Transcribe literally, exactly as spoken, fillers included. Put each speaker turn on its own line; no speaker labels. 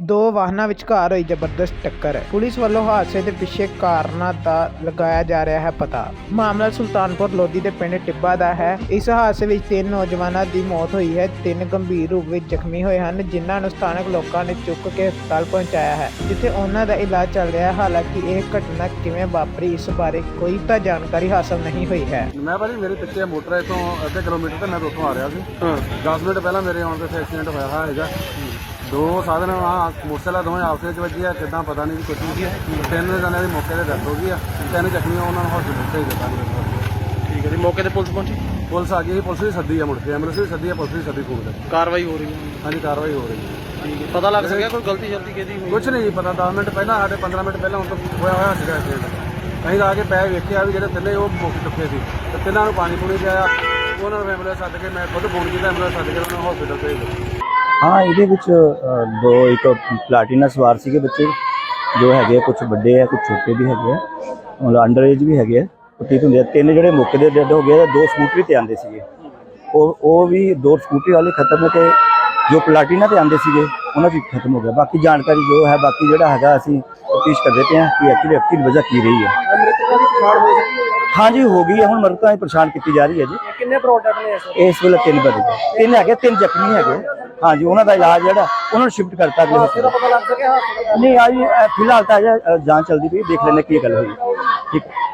दो वाहनों विचकार हुई जबरदस्त टक्कर। पुलिस वालों हादसे के पिछे कारणों का लगाया जा रहा है पता। मामला सुल्तानपुर लोधी के पिंड टिब्बा का है। इस हादसे में तीन नौजवानों की मौत हुई है, तीन गंभीर रूप में जख्मी हुए हैं, जिन्होंने स्थानक लोगों ने चुक के हस्पताल पहुंचाया है, जिथे उन्हों का इलाज चल रहा है। हालांकि यह घटना किवें वापरी इस बारे कोई तो जानकारी हासिल नहीं हुई है।
मैं भाजी मेरे पिछले मोटर इतों अद्धे किलोमीटर तो मैं तो उतों आ रहा थी। दस मिनट पहला मेरे आने से एक्सीडेंट होया है। दो साधन वहाँ मोटरसाइकिल दोवें आपस में वजी है, किदा पता नहीं कुछ नहीं। तीन जने की मौके पर डेथ हो गई है, तीन जख्मी उन्होंने हॉस्पिटल भेज दिता।
ठीक है जी, मौके पर पुलिस पहुंची?
पुलिस आ गई, पुलिस भी सदी है, मुड़ के एम्बुलेंस भी सदी है, पुलिस भी सदी पूरी
कार्रवाई हो रही है?
हाँ जी, कार्रवाई हो रही है।
ठीक है, पता लग सकिया कोई गलती शलती किहदी होई?
कुछ नहीं पता। दस मिनट पहला साढ़े पंद्रह मिनट पहला हम तो होया होया सीगा एक्सीडेंट। कहीं आके पै वेखिया भी जो तिने वो मौके चुके थे, तो तिना पानी पूनी पिया, उन्होंने एम्बुलेंस सद के मैं खुद फोन किया, एम्बुलेंस सद के उन्होंने हॉस्पिटल भेज दिया।
हाँ ये दो एक प्लाटीना सवार से बच्चे जो है, कुछ बड़े है कुछ छोटे भी है, मतलब अंडर एज भी है। ठीक होंगे तीन जोड़े मौके के डेड हो गए, दो स्कूटरी ते आते थे, वो भी दो स्कूटरी वाले खत्म है, जो प्लाटीना ते आते थे उन्होंने खत्म हो गया। बाकी जानकारी जो है बाकी जोड़ा है असी तफ्तीश करते पे हैं कि एक्चुअली एक्चुअली वजह की रही है। हाँ जी हो गई है, हम मृतकों की पछाण की जा रही है जी।
कितने प्रोडक्ट ने
इस वेले तीन बजे तीन है, तीन जख्मी है। हाँ जी उन्होंने इलाज जो उन्होंने शिफ्ट करता अगले हॉस्पिटल। नहीं आज फिलहाल तो अजय जांच चलती पई, देख लेने की गल हुई। ठीक।